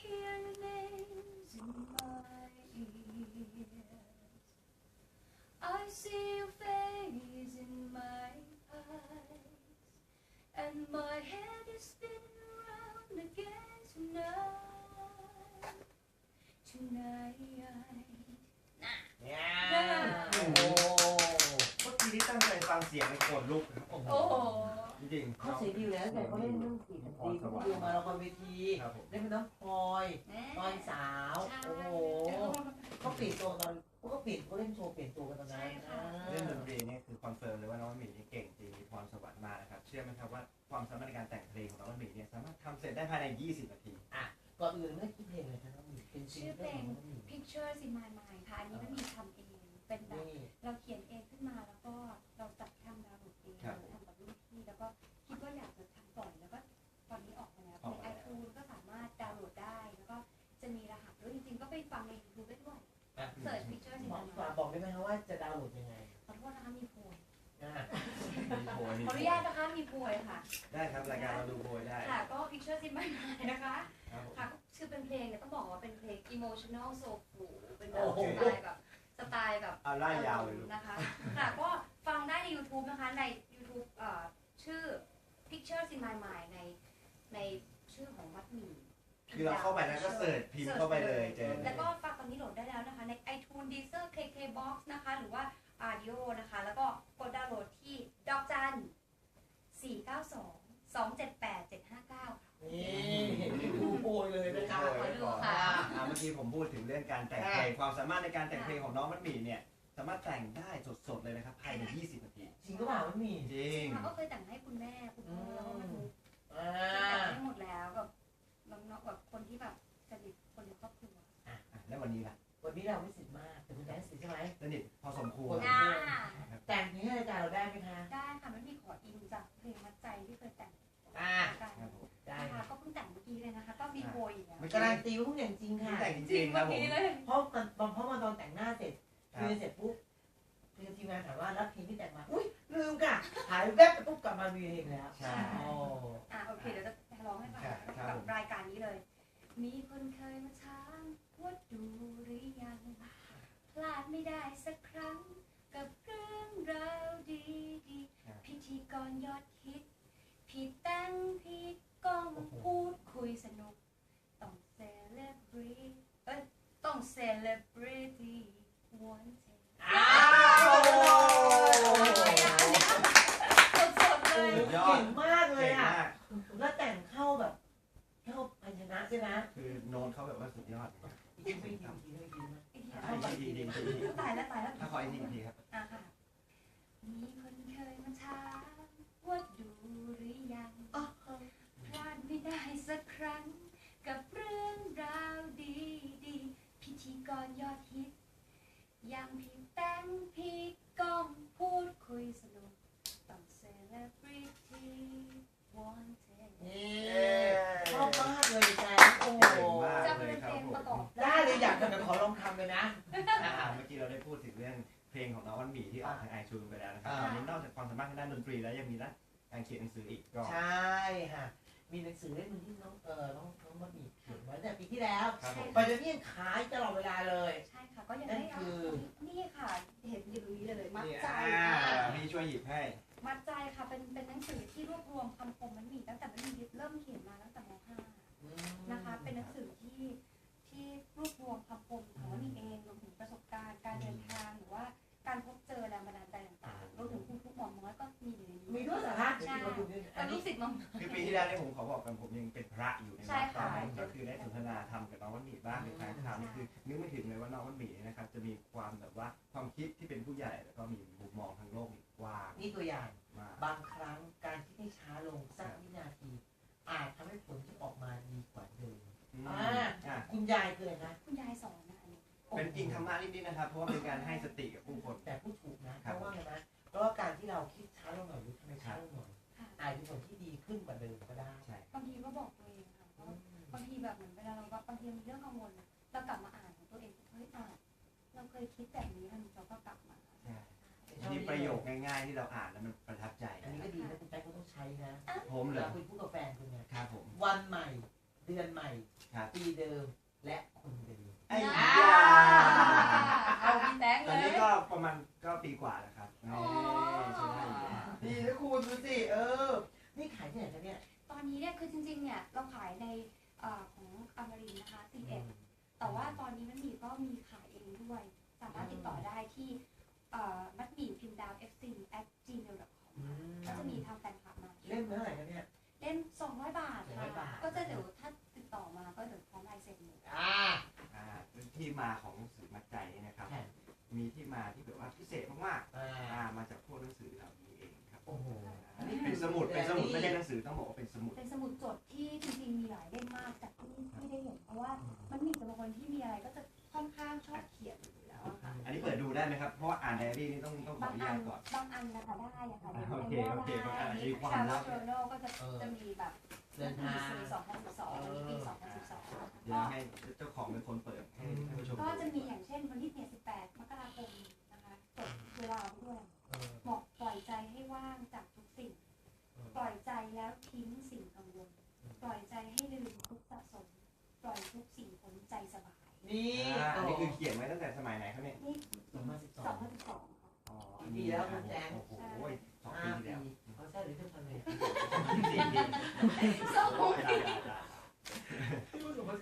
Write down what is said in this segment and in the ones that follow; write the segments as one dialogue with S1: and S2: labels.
S1: hear your names in my ears. I see your face in my eyes, and my head is spinning around again tonight. Tonight.
S2: โอ้โหเมื่อกี้ที่ตั้งใจฟังเสียงในโกรธลุกนะครับ
S1: โอ้โห
S2: จริงๆ
S3: เขาเสียดีแล้วแต่เขาเล่นเรื่องสีดนตรีเขาดูมาละครเวทีเล่นเป็นน้องพลอยตอนสาวโอ้โหเขาเปลี่ยนตัวตอนเขาเปลี่ยนเขาเล่นโชว์เปลี่ยนตัวกันตอนนั้น
S2: เรื่องดนตรีนี่คือคอนเฟิร์มเลยว่าน้องหมีนี่เก่งจริงมีพรสวรรค์มากนะครับเชื่อไหมครับว่าความสามารถในการแต่งเพลงของน้องหมีเนี่ยสามารถทำเสร็จได้ภายใน20 นาที
S3: ก่อนอื่นไม่ได้คิดเพลงเลยครับน้องหมีเป็นชื่อเพลง
S1: Pictures in My Mind ค่ะอันนี้มันมีทำเองเป็นแบบเราเขียนเองขึ้นมาแล้วก็เราจัดทำดาวน์โหลดเองทำกับรุ่นพี่แล้วก็คิดว่าอยากจะทำปล่อยแล้วก็ตอนนี้ออกมาแล้วใน iTunes ก็สามารถดาวน์โหลดได้แล้วก็จะมีรหัสด้วยจริงๆก็ไปฟังใน YouTube ได้ด้วยเสิร์ช Pictures in My Mind
S3: บอกได้ไหมคะว่าจะดาวน์โหลดยังไง
S1: ขอโทษนะคะมีโพย
S2: ขอ
S1: อนุญาตนะคะมีโพยค่ะ
S2: ได้ครับรายการเราดูโพยได้
S1: ค่ะก็ Pictures in My Mind นะคะค่ะชื่อเป็นเพลงเนี่ยต้องบอกว่าเป็นเพลง emotional soulful เป็นแบบสไตล์แบบ
S2: เอาไล่ยาวเลย
S1: นะคะค่ะก็ฟังได้ใน YouTube นะคะใน YouTube ชื่อ Pictures in My Mind ในชื่อของมัดหมี่
S2: คือเราเข้าไปแล้วก็เสิร์ชพิมพ์เข้าไปเลยเจอ
S1: แล้วก็ฟังตอนนี้โหลดได้แล้วนะคะใน iTunes Deezer KKBox นะคะหรือว่า Audio นะคะแล้วก็กดดาวน์โหลดที่ดอกจัน492-278-759
S3: นี่ดูโพยเลยนะคะ
S1: ดูค่ะ
S2: เมื่อกี้ผมพูดถึงเรื่องการแต่งเพลงความสามารถในการแต่งเพลงของน้องมัดหมี่เนี่ยสามารถแต่งได้สดๆเลยนะครับภายใน20 นาที
S3: จริงก็เปล่ามัดหมี่
S2: จริง
S1: ก็เคยแต่งให้คุณแม่คุณพ่อแล้วก็มาดูแต่งให้หมดแล้วกับน้องๆแบบคนที่แบบสนิทคนในครอบครัว
S2: แล้ววันนี้ล่ะ
S3: วันนี้เราไม่สนิทมากแต่คุณแม่สนิทใช่ไหม
S2: สนิทพอสมควร
S3: แต่งเพลงให้รายการเราได้ไหมคะ
S1: ได้ค่ะไม่มีขออินจากเพลงมัดใจที่เคยแต่ง
S3: ได้
S1: ค่ะก็เพิ่งแต่งเมื่อกี้เลยนะคะก็มีโพยอยู่แล้ว
S3: การันตีว่าเพิ่งแต่งจริงค่ะ
S2: แต่งจริงครับผม
S3: เพราะมันตอนแต่งหน้าเสร็จคือเสร็จปุ๊บคือทีมงานถามว่ารับเพลงที่แต่งมาอุ้ยลืมค่ะหายแวบไปปุ๊บกลับมามีเพลงแล้ว
S2: ใช่
S1: โอเคเดี๋ยวจะร้องให้ฟังกับรายการนี้เลยมีคนเคยมาถามว่าดูหรือยังพลาดไม่ได้สักครั้งกับเรื่องราวดีๆพิธีกรยอดฮิตพี่แต้งพี่ก้องพูดคุยสนุกต้องเซเลบริต้องเซเลบริตี้วันเทสดๆเลย
S3: เก่งมากเลยอ่ะแล้วแต่งเข้าแบบเข้าพันชนะใช่ไหม
S2: คือโน้ตเขาแบบว่าสุดยอด
S3: ดีตายแล้ว
S2: ถ้าขออีกทีครับ
S1: ค่ะมีคนเคยมาถามว่าดูหรือยังพลาดไม่ได้สักครั้งกับเรื่องราวดีๆพิธีกรยอดฮิตอย่างพี่แต้งพี่ก้องพูดคุยสนุกต้องเซเลบริตี้วันเท
S3: ชอบมากเลยแจ๊โอ้
S1: จะเป็นเพลงประกอบ
S3: ได้เลยอยากจะขอลองทำเลยนะ
S2: เมื่อกี้เราได้พูดถึงเรื่องเพลงของน้องมัดหมี่ที่ออกทางiTunesไปแล้วนะครับตอนนี้นอกจากความสามารถทางด้านดนตรีแล้วยังมีด้านการเขียนหนังสืออีกก็
S3: ใช่ค่ะมีหนังสือเล่มนึงที่น้องมัดหมี่เขียนไว้แต่ปีที่แล้วปัจจุบันยังขายตลอดเวลาเลย
S1: ใช่ค่ะก็ยังได้นี่ค่ะเห็นอยู่ตรงนี้เลยมัดใจ
S2: พี่ช่วยหยิบให้
S1: มัดใจค่ะเป็นหนังสือที่รวบรวมคำคมมัดหมี่ตั้งแต่มัดหมี่เริ่มเขียนมาตั้งแต่ม.5 นะคะเป็นหนังสือที่รวบรวมคำคมของมัดหมี่เองรวมถึงประสบการณ์การเดินทางหรือว่าการพบเจอแรงบันดาลใจต่างๆรวมถึงคุณทุกหม่อมน้อยก็มีอยู่ในนี้
S3: มีด้วยเหรอคะ
S1: ใช่เป็นลูกศิษย์มัม
S2: คือปีที่แล้วเนี่ยผมขอบอกกันผมยังเป็นพระอยู่ในวัดตอนนั้นก็คือได้สนทนาธรรมกับน้องมัดหมี่บ้างในทางข่าวนี่คือนึกไม่ถึงเลยว่าน้องมัดหมี่นะครับจะมีความแบบว่าความคิดที่เป็นผู้ใหญ่แล้วก็มีมุมมองทางโลกกว้าง
S3: นี่ตัวอย่างบางครั้งการที่ให้ช้าลงสักวินาทีอาจทำให้ผลที่ออกมาดีกว่าเดิมคุณยายคืออะไรนะ
S1: คุณยายสอนนะอันนี้
S2: เป็นจริงธรรมะนิดๆนะครับเพราะว่าเป็นการให้สติกับผู้คน
S3: แต่ผู้ถูกนะเพราะว่าไงนะเพราะว่าการที่เราคิดช้าลงหน่อยหรือทำให้ช้าลงหน่อยอาจจะเป็นผลที่ดีขึ้นกว่าเดิมก็ได้
S1: บางทีก็บอกตัวเองค่ะบางทีแบบเหมือนเวลาเราบางทีมีเรื่องกังวลเรากลับมาอ่านของตัวเองเฮ้ยเราเคยคิดแบบนี้เราก็กลับมา
S2: มีประโยคง่ายๆที่เราอ่านแล้วมันประทับใจ
S3: อันนี้ก็ดีนะคุณแป๊กก็ต้องใช้นะ
S2: ผมเลย
S3: คุยพูดกับแฟนคุณเนี่ย
S2: ครับผม
S3: วันใหม่เดือนใหม่
S2: ครับ
S3: ปีเดิมและคนเดิม
S2: ไอ้
S1: อ่า
S2: ยา
S1: เอาพี่แตง
S2: ต
S1: เล
S2: อนนี้
S1: ย
S2: ก็ประมาณก็ปีกว่าแล้วครับ
S1: อ๋อ
S2: ใช่ได้อยู่
S3: ดีนะคุณดูสินี่ขายที่ไหนคะเนี่ย
S1: ตอนนี้เนี่ยคือจริงๆเนี่ยเราขายในของอมรินทร์นะคะ11แต่ว่าตอนนี้มันมีก็มีขายเองด้วย สามารถติดต่อได้ที่มัดหมี่พิมพ์ดาว fc@gmail.com ก็จะมีทางแฟนคลับมา
S3: เล่มเท่าไหร่คะเนี่ย
S1: เล่ม200 บาท
S3: 200 บา
S1: ค่ะ
S3: ท
S1: ก็จะเดี๋ยวถ้าติดต่อมาก็เดี๋ยวพร้อมลายเซ็นเลย
S2: ที่มาของหนังสือมัดใจนี่นะครับ มีที่มาที่แบบว่าพิเศษมากๆมาจากพวกหนังสือเหล่านี้เองครับ
S3: โอ้โห
S2: อันนี้เป็นสมุดไม่ใช่หนังสือต้องบอกว่าเป็นสมุด
S1: เป็นสมุดจดที่จริงๆมีหลายเล่มมากจากที่ได้เห็นเพราะว่ามันมีจะบางคนที่มีอะไรก็จะค่อนข้างชอบเขียนอยู่แล้วอะค่ะ
S2: อันนี้เปิดดูได้ไหมครับ เพราะว่าอ่านไดอารี่นี่ต้องขอบ
S1: าง
S2: อนุ
S1: อั
S2: ญาน ตก่อน
S1: บางอันนะคะได้อะค่ะ
S2: โอเคโอเคบางอันมีความ
S1: ชา
S2: ลั
S1: ว
S2: บ
S1: โจโนก็จะมีแบบ
S3: เดินทาง
S1: ปี2012วันนี้ปี2012
S2: เดี๋ยวให้เจ้าของเป็นคนเปิดให้ท่านผู้ชม
S1: ก็จะมีอย่างเช่นวันที่18 มกราคมนะคะจดเวลาด้วยบอกปล่อยใจให้ว่างจากทุกสิ่ง ปล่อยใจแล้วทิ้งสิ่งกังวล ปล่อยใจให้ลืมทุกสะสม ปล่อยทุกสิ่งพ้นใจสบาย
S3: นี่
S2: อันนี้คือเขียนไว้ตั้งแต่สมัยไหนครับเนี่ย
S1: นี่
S3: 2012
S1: 2012ค่ะ
S2: อ๋อ
S3: ปีแล้วคุณแจง
S2: โอ้โห2 ปีที่แล้ว
S3: เขาใช่หรือเท่าไหร่
S1: สอง
S3: พี่ว่า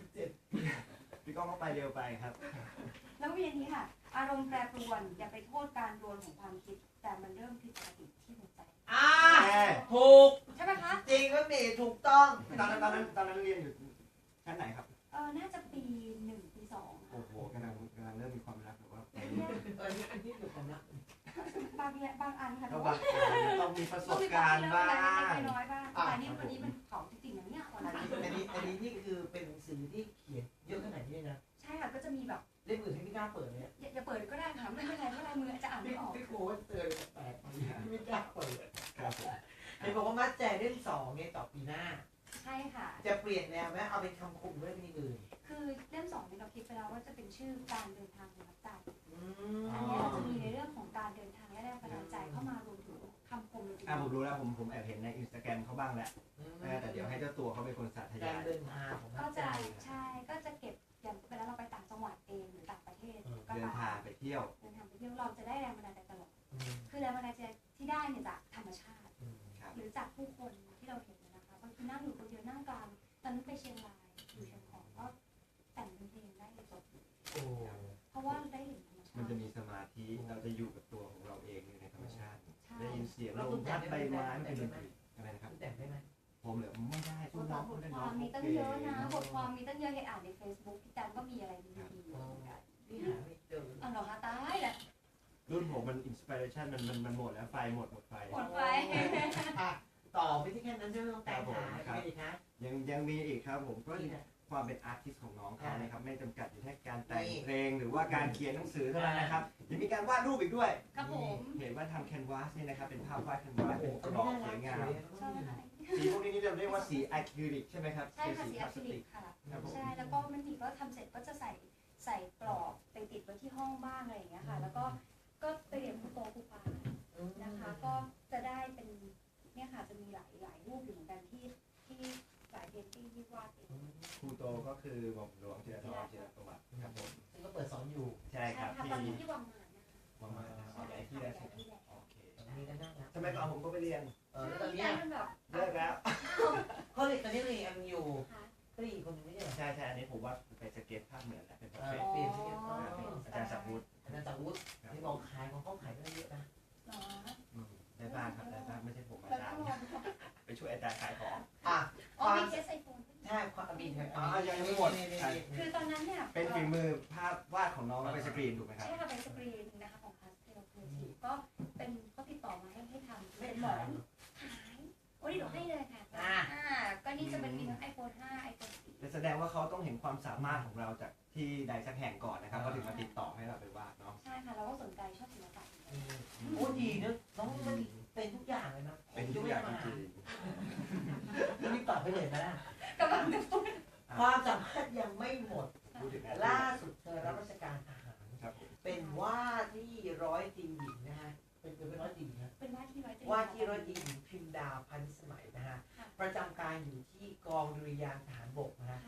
S3: 2017
S2: พี่ก้องก็ไปเร็วไปครับ
S1: แล้วเวียนนี้ค่ะ อารมณ์แปรปรวน อย่าไปโทษการรวนของความคิด แต่มันเริ่มผิดปกติที่หัวใจ
S3: ถูก
S1: ใช่ไหมคะ
S3: จริงว่าเมย์ถูกต้อง
S2: ตอนนั้นเรียนอยู่ชั้นไหนครับ
S1: น่าจะปี 1 ปี 2
S2: โอ้โหกำลังเริ่มมีความรักแบบว่า
S3: อันนี้คือความรัก
S1: บางอันค่ะ
S2: ก็บางต้องมีประสบการณ์บ้าง
S1: น้อยบ้างแต่นี่วันนี้มันเผาจริงๆนะเนี่ยวัน
S3: อัน
S1: นี้
S3: นี้นี่คือเป็นหนังสือที่เขียนเยอะขนาดนี้นะ
S1: ใช่ค่ะก็จะมีแบบ
S3: เล่มอื่นที่ไม่กล้าเปิดเลย
S1: อย่าเปิดก็ได้ค่ะไม่เป็นไรเพราะลายมือจะอ่านไม่ออก
S3: พี่โค้ชเตือนแปลกๆที่ไม่กล้าเปิด
S2: ครับผม
S3: เห็นบอกว่ามัดแจกเล่ม2เนี่ยต่อปีหน้า
S1: ใช่ค่ะ
S3: จะเปลี่ยนแนวไหมเอาเป็นคำคมหรือเป็นอื่น
S1: คือเล่ม2เนี่ยเราคิดไปแล้วว่าจะเป็นชื่อการเดินทางของนักใจ
S3: อื
S1: อันนี้เราจะมีในเรื่องของการเดินทางและแรงบันดาลใจเข้ามารวมถึงคำคม
S2: ผมรู้แล้วผมแอบเห็นในอินสตาแกรมเขาบ้างแล้วแต่เดี๋ยวให้เจ้าตัวเขาเป็นคนสาธ
S3: กาย
S2: าร ย
S3: เดินทางของมั
S1: ก็
S3: ดแจ
S1: จะ
S3: ก
S1: ใช่ก็จะเก็บอย่างเวลาเราไปต่างจังหวัดเองหรือต่างประเทศก็
S2: เดินทางไปเที่ยว
S1: เดินทางไปเที่ยวเราจะได้แรงบันดาลใจตลอดคือแรงบันดาลใจที่ได้เนี่ยจากธรรมชาติ
S2: ครับ
S1: หรือจากผู้คนที่เราเห็นนะคะบางทีนั่งอยู่คนเดียวนั่งกลางตอนนั้นไปเชียงรายอยู่เชียงของก็แต่งเป็นเพลงได้เลยจบ
S3: โอ้
S1: เพราะว่าได้เห็นธรรมชาติ
S2: มันจะมีสมาธิเราจะอยู่กับตัวของเราเองอยู่ในธรรมชาติ
S1: ใช่
S2: ได้ยินเสียงลมพัดใบไม้มันเป็นดนตรีอะไรนะครับ
S3: แต่งได้ไหม
S2: ผมเหลือไม่ได้ทุกน้อง
S1: บท
S2: ได้
S1: ค
S2: น้อ
S1: วาง มมีตั้งเยอะนะบทความมีตั้งเยอะให้อ่านใน Facebook พี่จันก็มีอะไรดีๆอยู่เหมือนกัน
S3: นี่หาไม่เจอ
S1: อ๋อเหรอคะตายแหละ
S2: รุ่นผมมันอินสปิเรชันมันหมดแล้วไฟหมดไฟ
S1: หมดไป
S3: ต่อไม่ใช่แค่นั้นใช่ไหมต้องแต่งหาไม่ดีคะ
S2: ยังมีอีกครับผมก็
S3: นี่นะ
S2: ความเป็นอาร์ติสต์ของน้องเขานะครับไม่จำกัดอยู่แค่การแต่งเพลงหรือว่าการเขียนหนังสือเท่านั้นนะครับยังมีการวาดรูปอีกด้วย
S1: ครับผม
S2: เห็นว่าทำแคนวาสเนี่ยนะครับเป็นภาพวาดแคนวาสเป็นกรอบสวยงาม
S1: ใช่ค่ะ
S2: สีพวกนี้เราเรียกว่าสีอะคริลิกใช่ไหมครับ
S1: ใช่ค่ะสีอะคริลิ
S2: ติ
S1: กค่ะ
S2: ครับผม
S1: ใช่แล้วก็มันมีก็ทำเสร็จก็จะใส่กรอบไปติดไว้ที่ห้องบ้างอะไรอย่างเงี้ยค่ะ แล้วก็ไปเรียนครูโตครูปานะคะ ก็จะได้เป็นเนี่ยค่ะจะมีหลายรูปอยู่เหมือนกันที่หลายเพนติ้งที่วาดเอง
S2: ครูโตก็คือหม่อมหลวงจิรธรจิรประวัติครับผม
S3: ซึ่งก็เปิดสอนอยู่
S2: ใช่ครับ
S1: ค่ะ
S2: ที่
S1: ตอนนี้ที่วังมานนะคะ
S2: วังมาเอาย้ายที่แล้วใช่ไหมโอเค
S3: มีกันได้นะ
S2: สมัยก่อนผมก็ไปเรียน
S3: แล้วตอน
S1: ใช่
S3: นี้
S1: มันแบบ
S2: เลิกแล้ว
S3: เขาเรียนตอนนี้มีอันอยู่
S1: ค่ะ
S3: ก็อีกคนนึงไม่ใช่เหรอ
S2: ใช่อันนี้ผมว่าไปสเก็ตภาพเหมือนแล้วเป็นประเภท
S3: เปลี่ยนที่กัน
S2: อาจารย์สักวุฒิ
S3: อันนั้นจากวุฒิที่บอกขายของเขาขายได้เยอะนะ
S1: เนาะ
S2: ได้บ้างครับได้บ้างไม่ใช่ผมอา
S1: แล้ว
S2: จาร
S1: ก็
S2: ย์
S1: ลองดู
S2: ไปช่วยอาจารย์ขายของ
S3: อ่ะ
S1: อ๋อมีเคสไอโฟน
S3: ใช่ความบินครับ
S2: ยังไม่หมด
S1: คือตอนนั้นเนี่ย
S2: เป็นฝีมือภาพวาดของน้องแล้วไปสกรีนถูกไหมครับ
S1: ใช่ค่ะเป็นสกรีนนะคะของพาสเทลครีเอทีฟก็เป็นเขาติดต่อมาให้ทำ
S3: ไม่
S1: เป็นหม
S3: ขา
S1: อย นขายโอ้ยเดี๋ยวให้เลยค่ะก็นี่จะเป็นมีทั้ง iPhone 5 iPhone 4
S2: แต่แสดงว่าเขาต้องเห็นความสามารถของเราจากที่ใดสักแห่งก่อนนะครับเขาถึงมาติดต่อให้เราไปวาดเนาะ
S1: ใช่ค่ะเราก็สนใจชอบศิลปะ
S3: โอ้ดีนะน้องมันเป็นทุกอย่างเลยนะ
S2: เป็นทุกอย่างจริง
S3: รีบตอบไปเลยนะ
S1: กำลังจะพูด
S3: ความสามารถยังไม่หมด
S2: ๆพูดถึง
S3: ล่าสุดเธอรับราชการทหาร
S2: ครับผม
S3: เป็นว่าที่ร้อยตรีหญิงนะฮะเป็นร้อยตรีหญิงนะ
S1: เป็นว่าที่ร้อยตรี
S3: ว่าที่ร้อยตรีหญิงพิมดาวพันธุ์สมัยนะฮะประจำการอยู่ที่กองดุริยางค์ทหารบกนะฮะ
S1: ค่ะ
S3: ท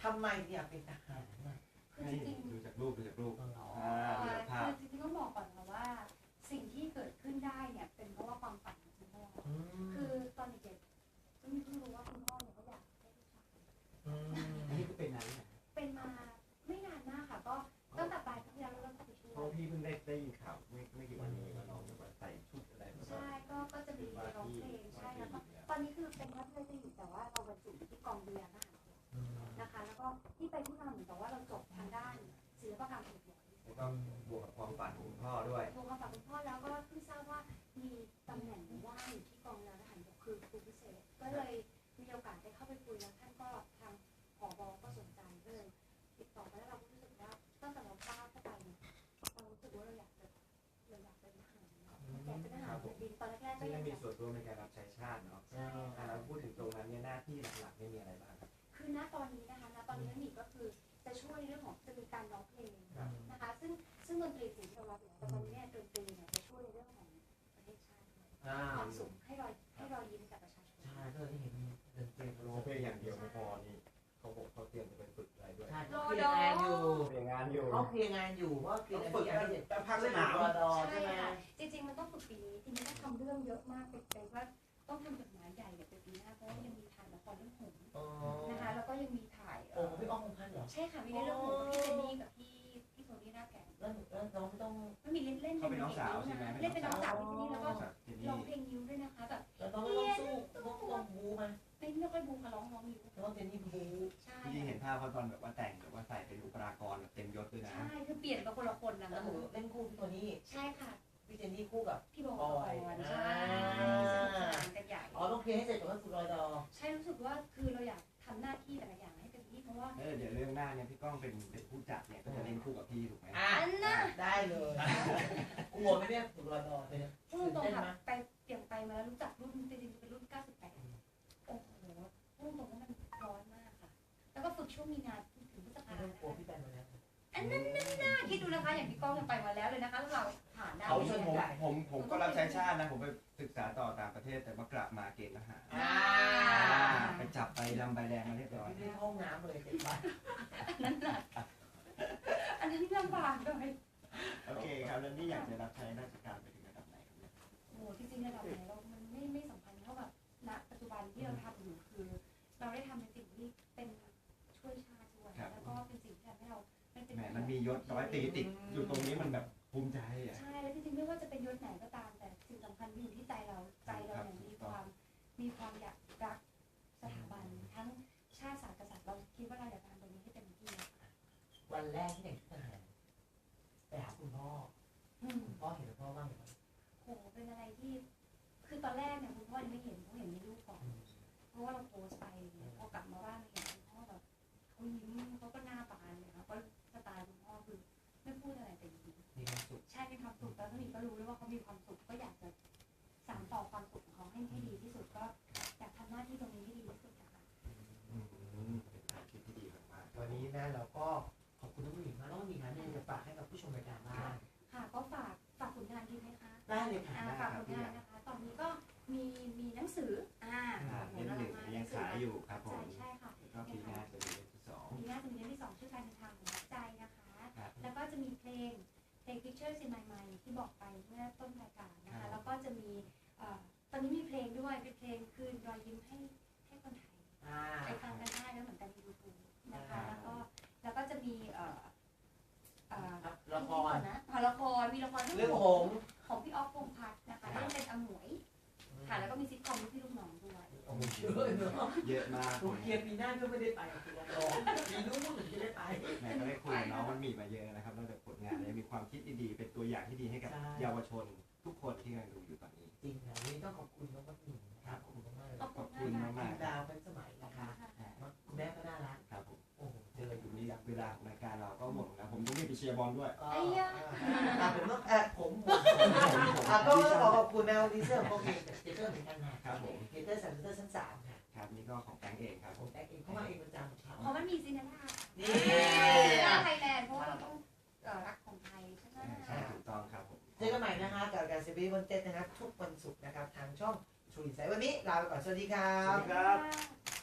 S3: ทำไมอยากเป็นทหารน่ะ
S1: คือจริง
S2: ดูจากรูป
S1: ๆ
S2: ดูจากภาพ
S1: คือจริงๆต้องบอกก่อนนะว่า สิ่งที่เกิดขึ้นได้เนี่ยเป็นเพราะว่าความฝันของคุณพ่อคือตอนเด็กๆเพิ่งรู้ว่าคุณพ่อเนี่ยเขาอยากได้ลูกชาย
S2: อันนี้ก็เป็นนั้น
S1: เป็นมาไม่นานมากค่ะก็ตั้งแต่ปลายปีที่แล้วเราเริ่มเข้าไปช่วย
S2: เพราะพี่เพิ่งได้ยินข่าวไม่กี่วันนี้ว่าน้องแบบใส่ชุดอะไรแบบ
S1: ใช่ก็จะมีร้องเพลงใช่แล้วก็ตอนนี้คือเป็นนักเรียนอยู่แต่ว่าเราบรรจุที่กองเรียนนะคะแล้วก็ที่ไปที่มาเหมือนกับว่าเราจบทางด้านศิลปกรรมสวย
S2: แล้วก็บวกกับความฝันของคุณพ่อด้วย
S1: โทรมาฝากคุณพ่อแล้วก็เพิ่งทราบว่ามีตำแหน่งว่างอยู่ที่กองเรือทหารบกคือครูพิเศษก็เลยมีโอกาสได้เข้าไปคุยแล้วท่านก็ทางผบก็สนใจก็เลยติดต่อมาแล้วเราก็รู้สึกว่าตั้งแต่เราก้าวเข้าไปเนี่ยเรารู้สึกว่าเราอยากเป็นทหารอยากเป็นทหารบินตอนแรกๆก็
S2: ซึ่ง
S1: ยัง
S2: มีส่วนร่วมในการรับใช้ชาติเนาะพูดถึงตรงนั้นเนี่ยหน้าที่หลักๆไม่มีอะไรบ้างครับ
S1: คือณตอนนี้นะคะณตอนนี้นั่นนี่ก็คือจะช่วยเรื่องของจะมีการร้องเพลงนะคะซึ่งดนตรีสิ่งที่เรารับอยู่แต่ตอนนี้เนี่ยดนตรีเนี่ยจะช่วยในเรื่องของประเทศชาติด้วยความสุขให้รอยยิ้มกับประชาชน
S3: ใช่ก็เลยเห็นดนตรี
S2: ร้องเพลงอย่างเดียวไม่พอนี่เขาเตรียมจะไปฝึกอะไรด้วย
S3: ใช่เขาเคลียร์งานอยู่
S2: เตรียมงานอยู่
S3: เขาเคลียร์งานอยู่เพราะเคลียร์งานอยู่
S2: แต่พักสนาม
S3: รอดอ
S1: ใช่
S3: ใช่ไหม
S1: ค่ะจริงๆมันต้องฝึกปีนี้ทีนี้ต้องทำเรื่องเยอะมากเป็นว่าต้องทำจดหมายใหญ่เนี่ยเป็นปีหน้าเพราะว่ายังมีถ่ายละครเรื่องหงส์นะคะแล้วก็ยังมีถ่าย
S3: โอ้พี่อ้อมพันเหรอ
S1: ใช่ค่ะมีเรื่องหงส์พี่เจนนี่กับพี่โทนี่หน้าแก่น
S3: แล้วน้องไม่ต้อง
S1: ไม่มีเล่น
S2: เขาเป็นน้องสาวใช่ไหม
S1: เล่นเป็นน้องสาวพี่เจนนี่แล้วก็
S2: เจน
S1: ร้อง
S2: นี่
S1: เพลงนิ้วด้วยนะคะแบบ
S3: แล้วน้องไม่ต้องสู้ต้องบูมา
S1: ไม่ค่อยบูค่ะร้องนิ้ว
S3: น้องเจนนี่บู
S1: ใช่
S2: ที่เห็นภาพเขาตอนแบบว่าแต่งแบบว่าใส่เป็นอุปกรณ์แบบเต็มยศด้วยนะ
S1: ใช่คือเปลี่ยนกับคนละคนนะ
S3: แล้วหนูเล่นคู่พี่ตัวนี้
S1: ใช่ค่ะ
S3: พี่เจนนี่คู่กับ
S1: พี่บอกก่อนใช่กันใหญ่
S3: อ๋อต้องเคลียร์ให้เสร็จก่อนว่าสุดรอยดอ
S1: ใช่รู้สึกว่าคือเราอยากทำหน้าที่แต่ละอย่างให้เต็มที่เพราะว่า
S2: เดี๋ยวเรื่องหน้าเนี่ยพี่ก้องเป็นผู้จัดเนี่ยก็จะเล่นคู่กับพี่ถูกไหม
S1: อันน่ะ
S3: ได้เลยกลัวไหมเนี่ยสุดรอยดอเนี่ย
S1: พูดตรงค่ะไปเปลี่ยนไปมาแล้วรู้จักรุ่นจริงๆเป็นรุ่น 98 โอ้โหพูดตรงว่ามันร้อนมากค่ะ แล้วก็ฝึกช่วงมีนาถึงพฤษภา
S3: ไม่ต้องกลัวพี่แปนมาแล้ว
S1: อันนั้นน่าคิดดูนะคะอย่างพี่ก้องยังไปมาแล้วเลยนะคะแล้วเราผ่านได้
S2: เขาชวนผมก็รับใช้ชาตินะผมไปศึกษาต่อต่างประเทศแต่ว่ากลับมาเกณฑ์ทหารไปจับไปดำใบแดงมาเรียบร้อย
S3: พี่ไม่ห้องน้ำเลยเจ็บปาก
S1: นั่นน่ะอันนั้นลำบากเลย
S2: โอเคครับแล้วนี่อยากจะรับใช้ราชการไปถึงระดับไหนครับเนี่ย
S1: โอ้จริงๆระดับไหนเรามันไม่สำคัญเท่ากับณปัจจุบันที่เราทำอยู่คือเราได้ทำในสิ่งที่เป็นช่วยชาติด้วยแล้วก็เป็นสิ่งที่ทำให้เราไม่เป็น
S2: แหมมันมียศร้อยตรีติดอยู่ตรงนี้มันแบบภูมิใจอ่ะ
S1: ใช่แล้วจริงๆไม่ว่าจะเป็นยศไหนก็ตามแต่สิ่งสำคัญอยู่ที่ใจเราเนี่ยมีความอยากรักสถาบันทั้งชาติศาสตร์กษัตริย์เราคิดว่าเราอยากทำตรงนี้ให้เต็มที่
S3: วันแรกที่แต่งชุดทหารไปหาคุณพ่อคุณพ่อเห็นคุณพ่อบ้างไหม
S1: โหเป็นอะไรที่คือตอนแรกเนี่ยคุณพ่อยังไม่เห็นเขาเห็นในรูปก่อนเพราะว่าเราโพสไปพอกลับมาบ้านเห็นคุณพ่อแบบเขายิ้มเขาก็หน้าบานเลยค่ะเพราะสไตล์คุณพ่อคือไม่พูดอะไรแต่ยิ้ม
S3: มีความสุข
S1: ใช่มีความสุขแล้วก็มีก็รู้ด้วยว่าเขามีความสุขก็อยากจะสานต่อความสุขของเขาให้ดีที่สุดก็อยากทำหน้าที่ตรงนี้ให้ดีที่สุดนะคะ
S2: เป็นการคิดที่ดีมาก
S3: วันนี้นะเราก็ขอบคุณน้องหญิงมากน้องหญิงนะจะฝากให้กับผู้ชมรายการบ้าง
S1: ค่ะก็ฝากผลงานดีไหมคะ
S3: ได้เลยค่ะ
S1: ฝากผลงานนะคะตอนนี้ก็มีหนังสือ
S2: ๆเล่มหนึ่งยังขายอยู่ครับผม
S1: ใช่ค่ะ
S2: ก็ปีหน้าจะมีเล่มที่สอง
S1: ปีหน้าจะมีเล่มที่ 2ชื่อการเดินทางของหัวใจนะคะแล้วก็จะมีเพลง Pictures in My Mind ที่บอกไปเมื่อต้นรายการนะคะแล้วก็จะมีตอนนี้มีเพลงด้วยเป็นเพลงคืนรอยยิ้มให้คนไทยไปฟังกันได้แล้วเหมือนกันใน YouTube นะคะแล้วก็จะมี
S3: ละคร
S1: มีละคร
S3: เรื่องหงส์
S1: ของพี่ออฟพงษ์พัฒน์นะคะเล่นเป็นอมวยค่ะแล้วก็มีซิทคอมที่พี่ลูกน้องด้วย
S3: โอ้โหเยอะเนาะ
S2: เยอะมาก
S3: โรงเรียนปีหน้าก็ไม่ได้ไปคุณละครปีนู้นถึงจะได้ไป
S2: แม่ก็ได้คุยกับน้องมันมีมาเยอะนะครับนอกจากผลงานแล้วมีความคิดดีๆเป็นตัวอย่างที่ดีให้กับเยาวชนทุกคนที่กำลังดูอยู่ตอนนี้
S3: จริงนะวันนี้ต้องขอบคุณน้องพัฒน์นะครับขอบคุณมากเลย
S1: ขอบ
S2: ขอบ
S1: คุ
S2: คุณ ณ
S1: มาก
S2: มาก
S3: ดาวเป็นสมัยนะคะคุณแม่ก็น่ารัก
S2: ๆครับผม
S3: โอ้โหเจอ
S2: อยู่นี่เวลาของรายการเราก็หมดแล้วผมต้องรีบไปเชียร์บอลด้วย
S1: ไอ้ยะ
S3: ผมต้องผมก็ขอบคุณแมวดีเซอร์โอเคเจเตอร์เหมือนกันนะครับ
S2: ผม
S3: เจเตอร์สันเตอร์ชั้น3ค่ะ
S2: ครับนี่ก็ของแตงเองครับ
S3: ผมแต่งเองเข้ามาเองประจำเขา
S1: เพราะมันมีซินาร่า
S3: นี่
S1: ไทยแลนด์เพราะว่าเราต้องรักของไทยใช่ไหม
S2: ใช่ถูกต้องครับผม
S3: เจอกันใหม่นะคะกับการซีรีส์วันเจ็ดนะครับทุกวันศุกร์นะครับทางช่องชูอินไซด์วันนี้ลาไปก่อนสวัสดีครั
S2: สวั
S3: บ
S2: สดีครับ